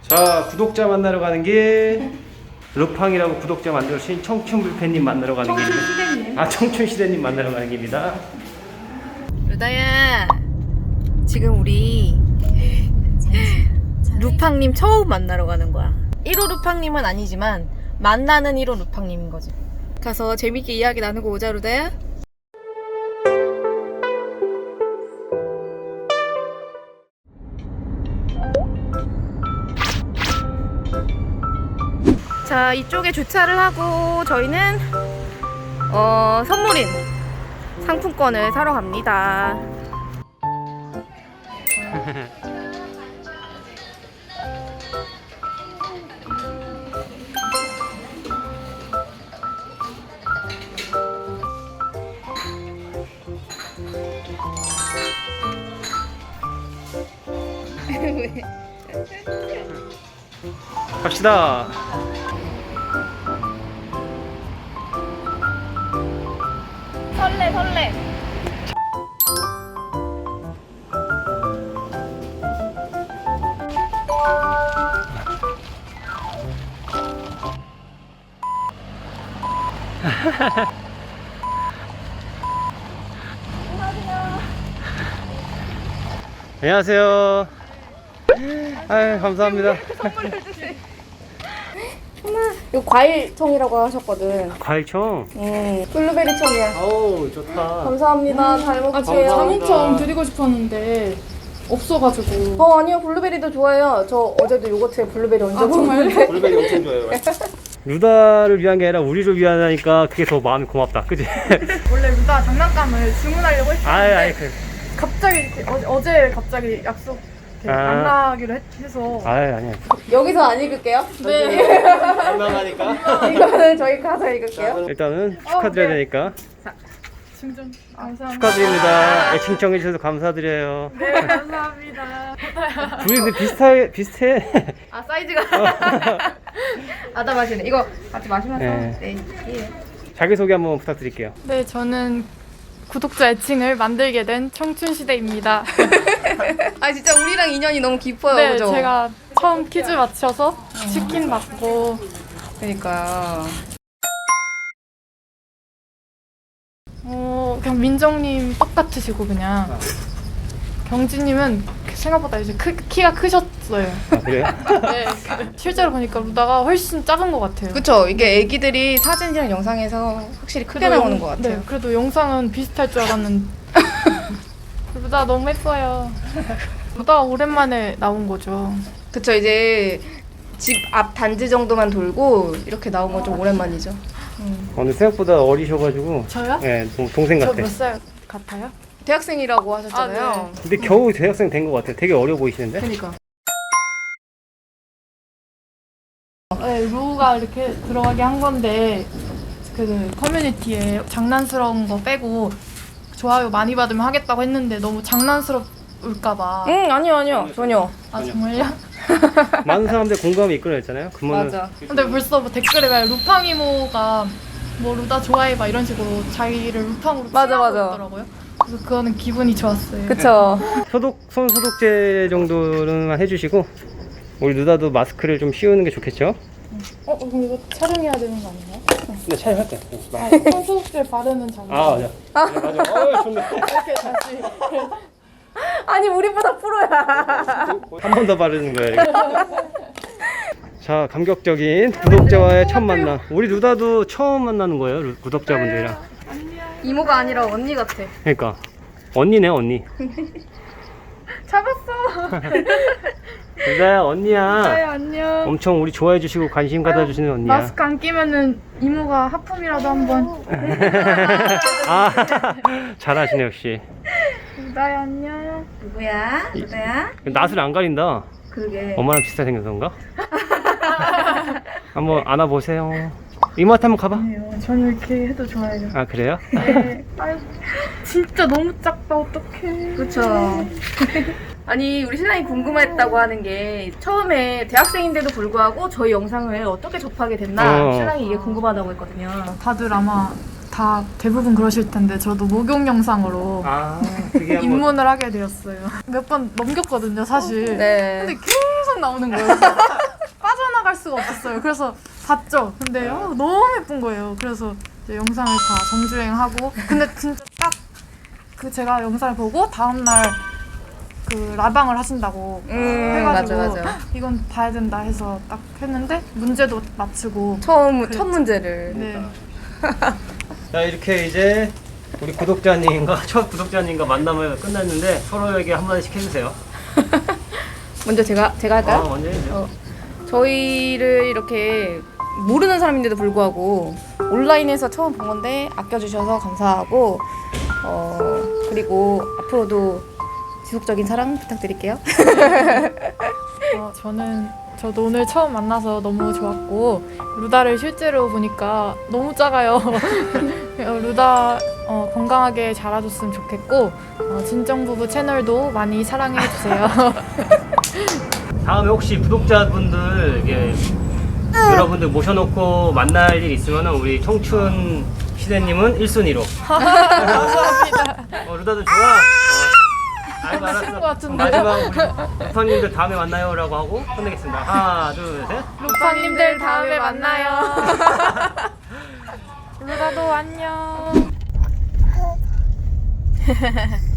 자, 구독자 만나러 가는 길. 루팡이라고 구독자 만들어주신 청춘불패님 만나러 가는 길입니다. 청춘시대님. 아, 청춘시대님 만나러 가는 길입니다. 루다야, 지금 우리 루팡님 처음 만나러 가는 거야. 1호 루팡님은 아니지만 만나는 1호 루팡님인 거지. 가서 재밌게 이야기 나누고 오자, 루다야. 자, 이쪽에 주차를 하고 저희는 선물인 상품권을 사러 갑니다. 갑시다. 설레. 안녕하세요. 아유, 감사합니다. 이거 과일청이라고 하셨거든. 과일청. 블루베리청이야. 어우, 좋다. 감사합니다. 잘 먹을게요. 자몽청 드리고 싶었는데 없어가지고. 아니요. 블루베리도 좋아해요. 저 어제도 요거트에 블루베리 얹어 정말요? 먹었는데. 블루베리 엄청 좋아요. 루다를 위한 게 아니라 우리를 위하니까 그게 더 마음이 고맙다. 그지? 원래 루다 장난감을 주문하려고 했는데 아이, 갑자기 이렇게 어제 갑자기 약속 이렇게 만나기로 해서 아니야. 여기서 안 읽을게요. 네. 민망하니까. 이거는 저희 가서 읽을게요. 일단은 축하드려야 네. 되니까. 증정 감사합니다. 축하드립니다. 애칭 해주셔서 감사드려요. 네, 감사합니다. 둘이 근데 비슷해. 아, 사이즈가. 아다 마시네. 이거 같이 마시면서. 네. 예. 자기소개 한번 부탁드릴게요. 네, 저는 구독자 애칭을 만들게 된 청춘시대입니다. 아, 진짜 우리랑 인연이 너무 깊어요. 네, 그죠? 제가 처음 퀴즈 맞춰서 치킨 받고 그러니까. 그냥 민정님 똑같으시고 그냥 경진님은 생각보다 이제 키가 크셨어요. 아, 그래요? 네, 실제로 보니까 루다가 훨씬 작은 것 같아요. 그쵸. 이게 애기들이 사진이랑 영상에서 확실히 크게 그래도 나오는 것 같아요. 네, 그래도 영상은 비슷할 줄 알았는데 루다 너무 예뻐요. 루다가 오랜만에 나온 거죠. 그쵸. 이제 집 앞 단지 정도만 돌고 이렇게 나온 건 좀 오랜만이죠. 오늘 생각보다 어리셔가지고. 저요? 네, 동생 저 같아. 몇 살 같아요? 대학생이라고 하셨잖아요. 아, 네. 근데 겨우 대학생 된 것 같아. 되게 어려 보이시는데? 그러니까. 네, 루가 이렇게 들어가게 한 건데 그 커뮤니티에 장난스러운 거 빼고 좋아요 많이 받으면 하겠다고 했는데 너무 장난스러울까봐. 아니요. 전혀. 아, 정말요? 많은 사람들 공감이 이끌어냈잖아요. 그러면은 맞아. 근데 벌써 뭐 댓글에 막 루팡 이모가 뭐 루다 좋아해 막 이런 식으로 자기를 루팡으로 맞아, 칭하고 맞아. 있더라고요. 그래서 그거는 기분이 좋았어요. 그쵸. 손 소독제 정도는 해주시고 우리 누나도 마스크를 좀 씌우는 게 좋겠죠? 그럼 이거 촬영해야 되는 거 아닌가요? 근데 촬영할게. 손소독제 바르는 장면. 아, 맞아. 네, 맞아. 좋네. 이렇게 다시. 아니, 우리보다 프로야. 한 번 더 바르는 거예요. 이거. 자, 감격적인 구독자와의 첫 만남. 우리 누나도 처음 만나는 거예요, 구독자분들이랑. 이모가 아니라 언니 같아. 그러니까 언니네, 언니. 잡았어. 누나야, 언니야. 네, 안녕. 엄청 우리 좋아해 주시고 관심 가져주시는 언니야. 마스크 안 끼면은 이모가 하품이라도 한번. 아, 잘하시네 역시. 루다야 안녕. 누구야? 누구야? 낯을 안 가린다. 그러게. 엄마랑 비슷하게 생겨서 그런가? 한번 안아보세요. 이모한테 한번 가봐. 저는 이렇게 해도 좋아해요. 아, 그래요? 네. 아유, 진짜 너무 작다. 어떡해. 그쵸. 아니, 우리 신랑이 궁금했다고 하는 게 처음에 대학생인데도 불구하고 저희 영상을 어떻게 접하게 됐나 신랑이 이게 궁금하다고 했거든요. 다들 아마 다 대부분 그러실 텐데 저도 목욕 영상으로 아, 그게 한번 입문을 하게 되었어요. 몇 번 넘겼거든요, 사실. 네. 근데 계속 나오는 거예요. 따라갈 수가 없었어요. 그래서 봤죠. 근데 너무 예쁜 거예요. 그래서 이제 영상을 다 정주행하고 근데 진짜 딱 그 제가 영상을 보고 다음날 그 라방을 하신다고 해가지고 맞아. 이건 봐야 된다 해서 딱 했는데 문제도 맞추고 첫 그랬죠. 문제를. 네. 자, 이렇게 이제 우리 구독자님과 첫 구독자님과 만남을 끝났는데 서로에게 한마디씩 해주세요. 먼저 제가 할까요? 먼저 해주세요. 저희를 이렇게 모르는 사람인데도 불구하고 온라인에서 처음 본 건데 아껴주셔서 감사하고 그리고 앞으로도 지속적인 사랑 부탁드릴게요. 저도 오늘 처음 만나서 너무 좋았고 루다를 실제로 보니까 너무 작아요. 루다 건강하게 자라줬으면 좋겠고 진정부부 채널도 많이 사랑해 주세요. 다음에 혹시 구독자분들 여러분들 모셔놓고 만날 일 있으면 우리 청춘 시대님은 1순위로. 감사합니다. 루다도 좋아. 알고 것 알았어. 같은데요? 마지막 우리 루파님들 다음에 만나요라고 하고 끝내겠습니다. 하나, 둘, 셋. 루파님들 다음에 만나요. 루다도 안녕.